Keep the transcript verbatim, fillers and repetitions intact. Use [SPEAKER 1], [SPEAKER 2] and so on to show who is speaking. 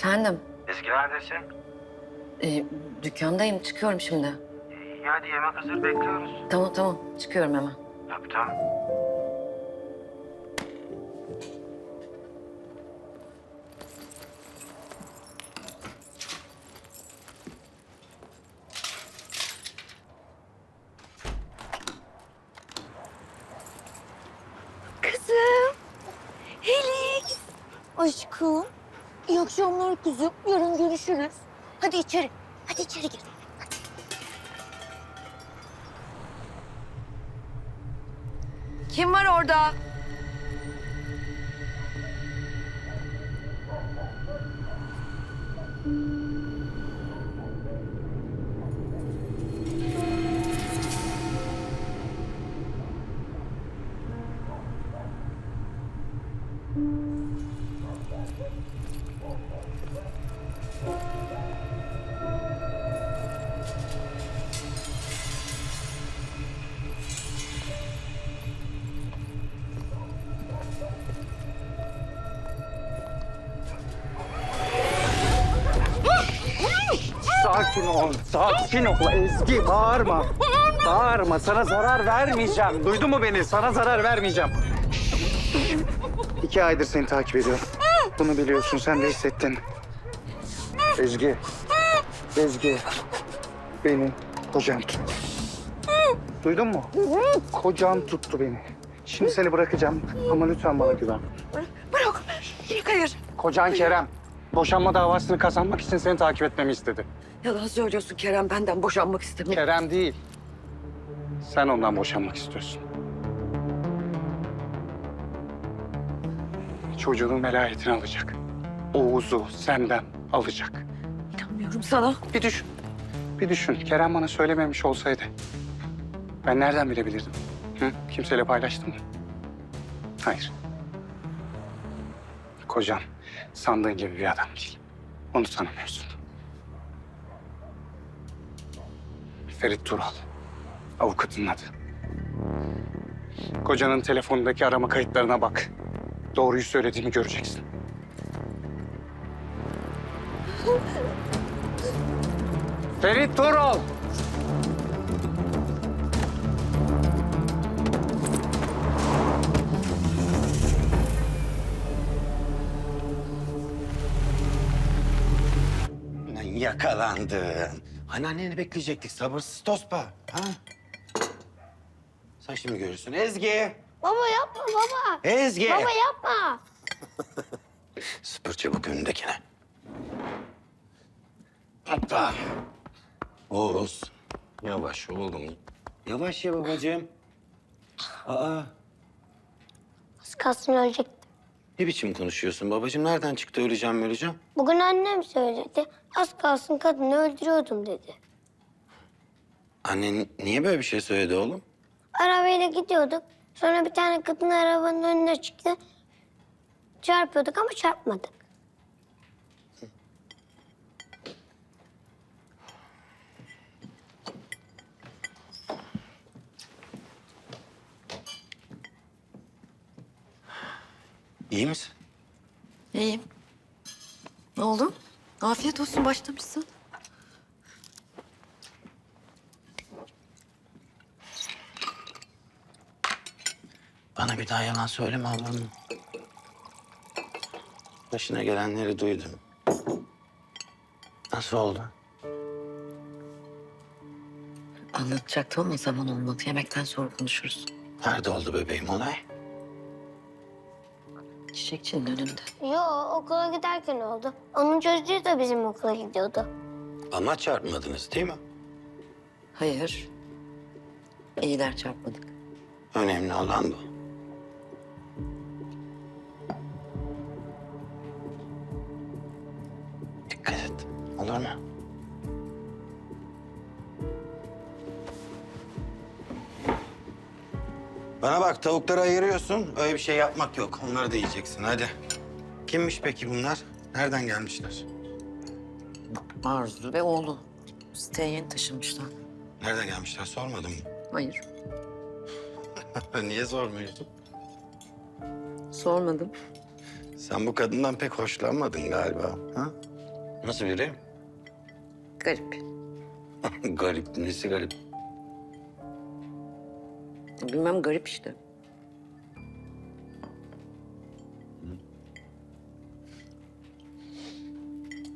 [SPEAKER 1] Efendim,
[SPEAKER 2] Ezgi neredesin?
[SPEAKER 1] e, dükkandayım. Çıkıyorum şimdi.
[SPEAKER 2] İyi hadi yemek hazır bekliyoruz.
[SPEAKER 1] Tamam tamam, çıkıyorum hemen.
[SPEAKER 2] Tabii tamam.
[SPEAKER 3] Kızım. Helix. Aşkım. İyi akşamlar kızım. Yarın görüşürüz. Hadi içeri. Hadi içeri gir.
[SPEAKER 1] Kim var orada?
[SPEAKER 4] Sakin ol, sakin ol Ezgi. Bağırma. Bağırma, sana zarar vermeyeceğim. Duydun mu beni? Sana zarar vermeyeceğim. İki aydır seni takip ediyorum. Bunu biliyorsun, sen de hissettin. Ezgi, Ezgi. Beni kocan tuttu. Duydun mu? Kocan tuttu beni. Şimdi seni bırakacağım ama lütfen bana güven.
[SPEAKER 1] Bırak. Hayır.
[SPEAKER 4] Kocan Kerem, boşanma davasını kazanmak için seni takip etmemi istedi.
[SPEAKER 1] Yalan söylüyorsun Kerem. Benden boşanmak istemiyor.
[SPEAKER 4] Kerem değil. Sen ondan boşanmak istiyorsun. Çocuğunun velayetini alacak. Oğuz'u senden alacak.
[SPEAKER 1] İnanmıyorum sana.
[SPEAKER 4] Bir düşün. Bir düşün. Kerem bana söylememiş olsaydı ben nereden bilebilirdim? Hı? Kimseyle paylaştın mı? Hayır. Kocan sandığın gibi bir adam değil. Onu tanımıyorsun. Ferit Tural. Avukatının adı. Kocanın telefonundaki arama kayıtlarına bak. Doğruyu söylediğimi göreceksin. Ferit Tural!
[SPEAKER 2] Lan yakalandın. Anneanneni bekleyecektik. Sabırsız tospa. Ha? Sen şimdi görürsün. Ezgi!
[SPEAKER 3] Baba yapma baba.
[SPEAKER 2] Ezgi!
[SPEAKER 3] Baba yapma.
[SPEAKER 2] Süpür çabuk önündekine. Hoppa. Oğuz. Yavaş oğlum. Yavaş ya babacığım. Aa,
[SPEAKER 3] Az kalsın ölecektim.
[SPEAKER 2] ne biçim konuşuyorsun babacığım? Nereden çıktı öleceğim öleceğim?
[SPEAKER 3] Bugün annem söyledi. Az kalsın kadını öldürüyordum dedi.
[SPEAKER 2] Annen niye böyle bir şey söyledi oğlum?
[SPEAKER 3] Arabayla gidiyorduk. Sonra bir tane kadın arabanın önüne çıktı. Çarpıyorduk ama çarpmadık.
[SPEAKER 2] İyi misin?
[SPEAKER 1] İyiyim. Ne oldu? Afiyet olsun, başlamışsın.
[SPEAKER 2] Bana bir daha yalan söyleme olur mu? Başına gelenleri duydum. Nasıl oldu?
[SPEAKER 1] Anlatacaktım ama zaman olmadı. Yemekten sonra konuşuruz.
[SPEAKER 2] Nerede oldu bebeğim olay?
[SPEAKER 1] Çiçekçinin önünde.
[SPEAKER 3] Yo, okula giderken oldu. Onun çocuğu da bizim okula gidiyordu.
[SPEAKER 2] Ama çarpmadınız değil mi?
[SPEAKER 1] Hayır. İyiler, çarpmadık.
[SPEAKER 2] Önemli olan bu. Dikkat et. Olur mu? Bana bak tavukları ayırıyorsun. Öyle bir şey yapmak yok. Onları da yiyeceksin hadi. Kimmiş peki bunlar? Nereden gelmişler?
[SPEAKER 1] Arzu ve oğlu. Siteye yeni taşınmışlar.
[SPEAKER 2] Nereden gelmişler sormadın mı?
[SPEAKER 1] Hayır.
[SPEAKER 2] Niye sormuyorsun?
[SPEAKER 1] Sormadım.
[SPEAKER 2] Sen bu kadından pek hoşlanmadın galiba. Ha? Nasıl biri?
[SPEAKER 1] Garip.
[SPEAKER 2] Garip. Nesi garip?
[SPEAKER 1] Bilmem garip işte.